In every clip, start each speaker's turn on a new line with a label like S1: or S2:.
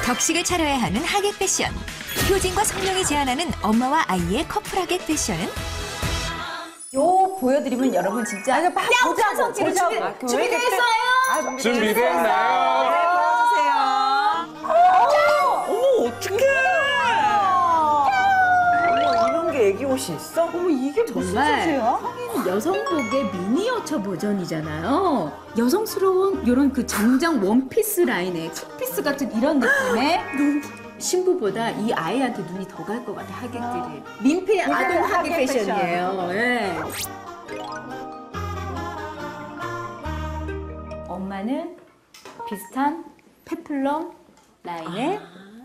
S1: 격식을 차려야 하는 하객 패션. 효진과 성룡이 제안하는 엄마와 아이의 커플 하객 패션은
S2: 요 보여드리면 여러분 진짜 뺨 찬성지로 준비됐어요?
S3: 준비됐나요?
S4: 어머, 어떡해! 어머, 이런 게 애기 옷이 있어? 어머, 이게 무슨 소재야?
S2: 성인 여성복의 미니어처 버전이잖아요. 여성스러운 이런 그 정장 원피스 라인의 컷피스 같은 이런 느낌의 신부보다 이 아이한테 눈이 더 갈 것 같아, 하객들이. 민폐 아동 하객 패션이에요. 네. 엄마는 비슷한 페플럼 라인의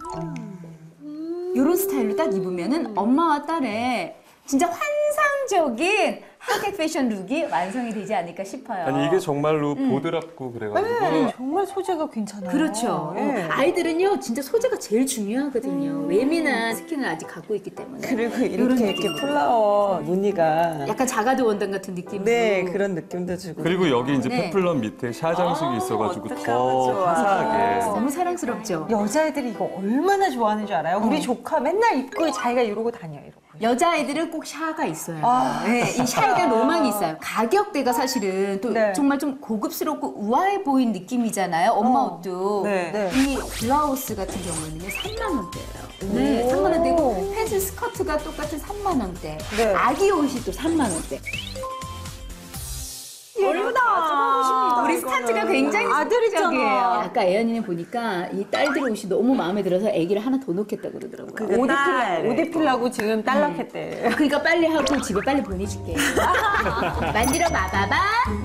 S2: 이런 스타일로 딱 입으면은 엄마와 딸의 진짜 환상적인 하객 패션 룩이 완성이 되지 않을까 싶어요.
S3: 아니 이게 정말로 보드랍고 그래가지고
S4: 정말 소재가 괜찮아요.
S2: 그렇죠.
S4: 네.
S2: 아이들은요, 진짜 소재가 제일 중요하거든요. 예민한 스킨을 아직 갖고 있기 때문에.
S4: 그리고
S2: 이런
S4: 이렇게
S2: 느낌으로.
S4: 플라워 무늬가
S2: 약간 자가드 원단 같은 느낌으로.
S4: 네, 그런 느낌도 주고.
S3: 그리고 여기 이제
S2: 네.
S3: 페플럼 밑에 샤장식이 있어가지고
S4: 어떡하면
S3: 더
S4: 좋아.
S3: 화사하게.
S2: 너무 사랑스럽죠.
S4: 여자애들이 이거 얼마나 좋아하는 줄 알아요? 우리 조카 맨날 입고 자기가 이러고 다녀, 이러고.
S2: 여자아이들은 꼭 샤가 있어요.
S4: 아,
S2: 네, 이 샤에 로망이 있어요. 가격대가 사실은 또
S4: 네.
S2: 정말 좀 고급스럽고 우아해 보인 느낌이잖아요. 엄마 옷도.
S4: 네.
S2: 이 블라우스 같은 경우에는 3만 원대예요. 네, 3만 원대고 팬츠 스커트가 똑같은 3만 원대.
S4: 네.
S2: 아기 옷이 또 3만 원대.
S4: 예쁘다.
S2: 우리 스타트가 굉장히 아들이적이에요. 아까 애연이네 보니까 이 딸들 옷이 너무 마음에 들어서 아기를 하나 더 놓겠다 그러더라고요.
S4: 옷 입히려고 지금 딸락했대.
S2: 그러니까 빨리 하고 집에 빨리 보내줄게. 만들어 봐봐봐.